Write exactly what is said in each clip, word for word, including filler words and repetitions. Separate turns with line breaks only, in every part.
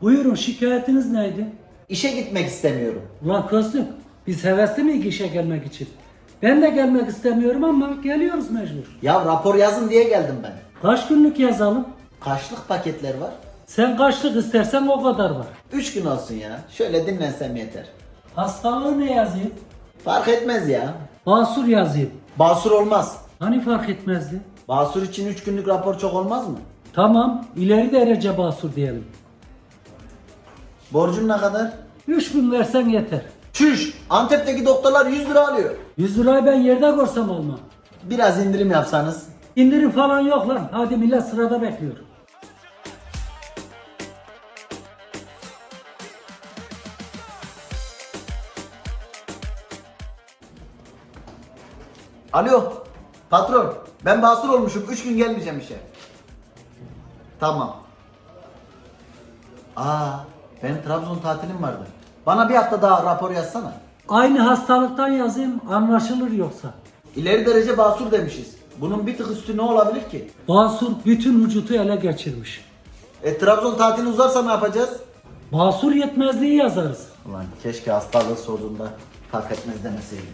Buyurun, şikayetiniz neydi?
İşe gitmek istemiyorum.
Ulan Köslük, biz hevesli miyiz işe gelmek için? Ben de gelmek istemiyorum ama geliyoruz mecbur.
Ya rapor yazın diye geldim ben.
Kaç günlük yazalım?
Kaçlık paketler var?
Sen kaçlık istersen o kadar var.
Üç gün olsun ya. Şöyle dinlensem yeter.
Hastalığı ne yazayım?
Fark etmez ya.
Basur yazayım.
Basur olmaz.
Hani fark etmezdi?
Basur için üç günlük rapor çok olmaz mı?
Tamam, ileri derece basur diyelim.
Borcum ne kadar?
Üç gün versen yeter.
Çüş! Antep'teki doktorlar yüz lira alıyor.
Yüz lirayı ben yerde görsem almam.
Biraz indirim yapsanız.
İndirim falan yok lan. Hadi millet sırada bekliyor.
Alo. Patron. Ben basur olmuşum. Üç gün gelmeyeceğim işe. Tamam. Aa, benim Trabzon tatilim vardı. Bana bir hafta daha rapor yazsana.
Aynı hastalıktan yazayım, anlaşılır yoksa.
İleri derece basur demişiz. Bunun bir tık üstü ne olabilir ki?
Basur bütün vücutu ele geçirmiş.
E Trabzon tatili uzarsa ne yapacağız?
Basur yetmezliği yazarız.
Ulan keşke hastalığı sorduğunda fark etmez demeseydim.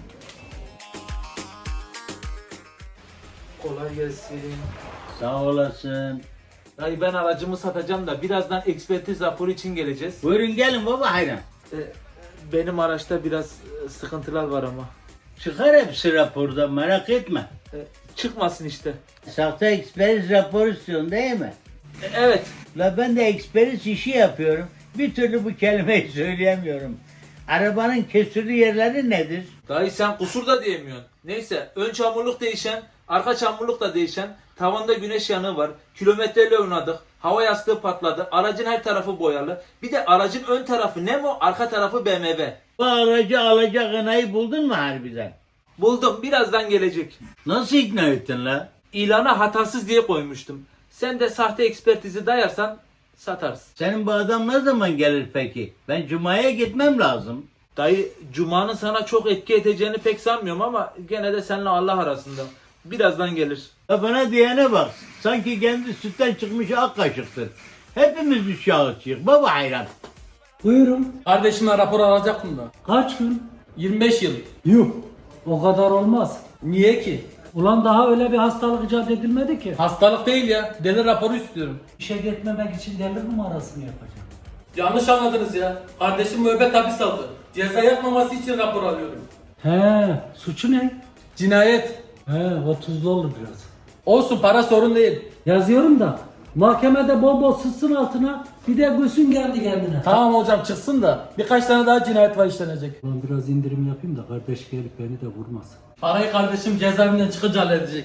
Kolay gelsin.
Sağ olasın.
Dayı ben aracımı satacağım da birazdan ekspertiz raporu için geleceğiz.
Buyurun gelin baba hayran.
Ee, benim araçta biraz e, sıkıntılar var ama.
Çıkar hepsi raporda merak etme.
Ee, çıkmasın işte.
Sahte eksperiz rapor istiyorsun değil mi?
Ee, evet.
La ben de eksperiz işi yapıyorum. Bir türlü bu kelimeyi söyleyemiyorum. Arabanın kesirli yerleri nedir?
Dayı sen kusur da diyemiyorsun. Neyse ön çamurluk değişen, arka çamurluk da değişen, tavanda güneş yanığı var, kilometreyle oynadık, hava yastığı patladı, aracın her tarafı boyalı. Bir de aracın ön tarafı Nemo, arka tarafı B M W.
Bu aracı alacak anayı buldun mu harbiden?
Buldum, birazdan gelecek.
Nasıl ikna ettin la?
İlana hatasız diye koymuştum. Sen de sahte ekspertizi dayarsan satarız.
Senin bu adam ne zaman gelir peki? Ben Cuma'ya gitmem lazım.
Dayı Cuma'nın sana çok etki edeceğini pek sanmıyorum ama gene de seninle Allah arasında. Birazdan gelir.
Ya bana diyene bak. Sanki kendi sütten çıkmış ak kaşıktır. Hepimiz uşağıyız. Baba hayran.
Buyurun.
Kardeşime rapor alacaktım da.
Kaç gün?
yirmi beş yıl.
Yuh. O kadar olmaz.
Niye ki?
Ulan daha öyle bir hastalık icat edilmedi ki.
Hastalık değil ya. Deli raporu istiyorum.
İşe gitmemek için deli numarasını yapacağım.
Yanlış anladınız ya. Kardeşim müebbet hapis aldı. Ceza yapmaması için rapor alıyorum.
He, suçu ne?
Cinayet.
He, o tuzlu olur biraz.
Olsun, para sorun değil.
Yazıyorum da mahkemede bol bol sızsın altına, bir de gülsün geldi kendine.
Tamam hocam çıksın da birkaç tane daha cinayet var işlenecek.
Ulan biraz indirim yapayım da kardeş gelip beni de vurmasın.
Parayı kardeşim cezaevinden çıkınca halledecek.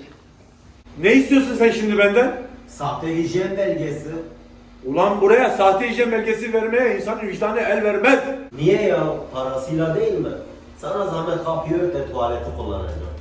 Ne istiyorsun sen şimdi benden?
Sahte hijyen belgesi.
Ulan buraya sahte hijyen belgesi vermeye insanın vicdanı el vermez.
Niye ya? Parasıyla değil mi? Sana zahmet kapıyı ört de tuvaleti kullanacağım.